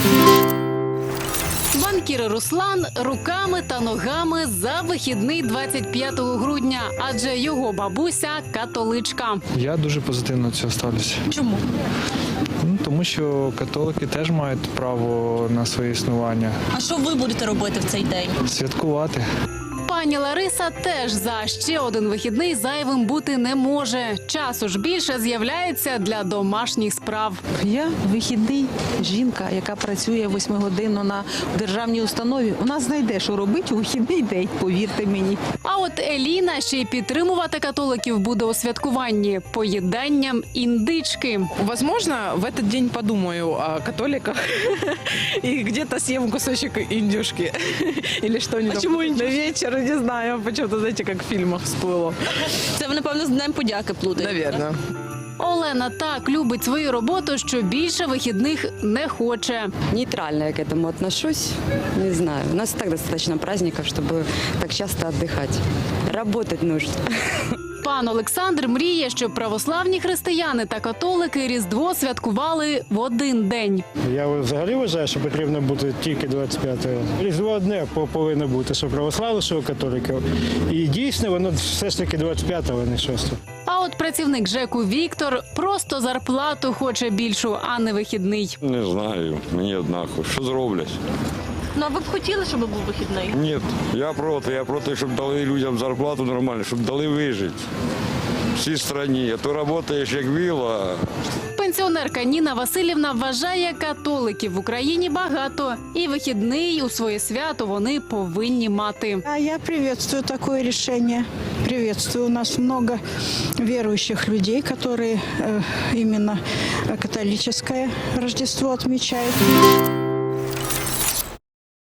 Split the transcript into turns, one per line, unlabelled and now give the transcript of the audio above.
Банкір Руслан руками та ногами за вихідний 25 грудня, адже його бабуся католичка.
Я дуже позитивно до цього ставлюся.
Чому?
Тому що католики теж мають право на своє існування.
А що ви будете робити в цей день?
Святкувати.
Пані Лариса теж за ще один вихідний зайвим бути не може. Часу ж більше з'являється для домашніх справ.
Я вихідний жінка, яка працює 8-годинно на державній установі. У нас знайде, що робити у вихідний день, повірте мені.
А от Еліна ще й підтримувати католиків буде у святкуванні поїданням індички.
Возможно, в этот день подумаю о католиках и где-то съем кусочек индюшки или что-нибудь.
Почему
на вечер, не знаю, почему-то, знаете, как в фильмах всплыло.
Це ви, напевно, з Днем подяки плутаєте.
Наверное.
Олена так любить свою роботу, що більше вихідних не хоче.
Нейтрально я к этому отношусь. Не знаю. У нас и так достаточно праздников, чтобы так часто отдыхать. Работать нужно.
Пан Олександр мріє, щоб православні християни та католики Різдво святкували в один день.
Я взагалі вважаю, що потрібно бути тільки 25-го. Різдво одне повинно бути, що православних, що католиків. І дійсно воно все ж таки 25-го, а не 6-го.
А от працівник ЖЕКу Віктор просто зарплату хоче більшу, а не вихідний.
Не знаю, мені однаково. Що зроблять?
Ну, а ви б хотіли, щоб був вихідний?
Ні, я проти, щоб дали людям зарплату нормально, щоб дали вижити. Всій країні. А то працюєш як віла.
Пенсіонерка Ніна Васильівна вважає, католиків в Україні багато. І вихідний у своє свято вони повинні мати.
А я приветствую такое решение. Приветствую. У нас много верующих людей, которые именно католическое Рождество отмечают.